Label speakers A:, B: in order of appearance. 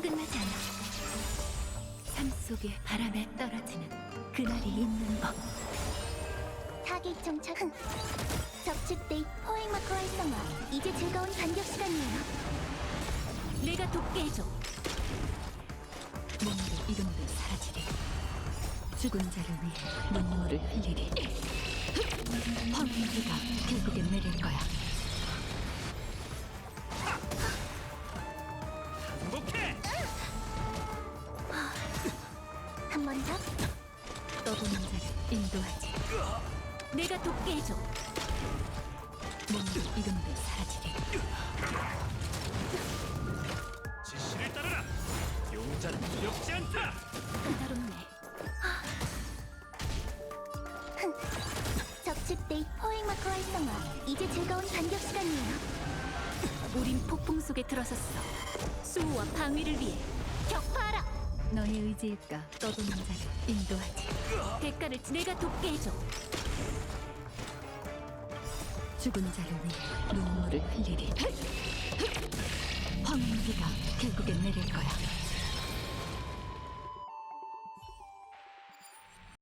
A: 끝나지 않아. 삶 속에 바람에 떨어지는 그날이 있는 법.
B: 타겟 정착. 적집 데이 포획 마커 활성화. 이제 즐거운 반격 시간이에요.
A: 내가 돕게 해줘. 몸도 이름도 사라지리. 죽은 자를 위해 눈물을 흘리리. 황무지가 결국엔 내릴 거야.
C: 행복해!
B: 한 번 더.
A: 떠도는 자를 인도하지. 내가 돕게 해줘. 몸도 이름도 사라지리.
C: 지시를 따르라! 용자는 두렵지 않다!
A: 까다롭네.
B: 적집 데이 포획 마커 활성화. 이제 즐거운 반격 시간이에요.
A: 우린 폭풍 속에 들어섰어. 수호와 방위를 위해 격파하라. 너의 의지일까? 떠도는 자를 인도하지. 대가를 내가 돕게 해줘. 죽은 자를 위해 눈물을 흘리리. 황무기가 결국엔 내릴 거야.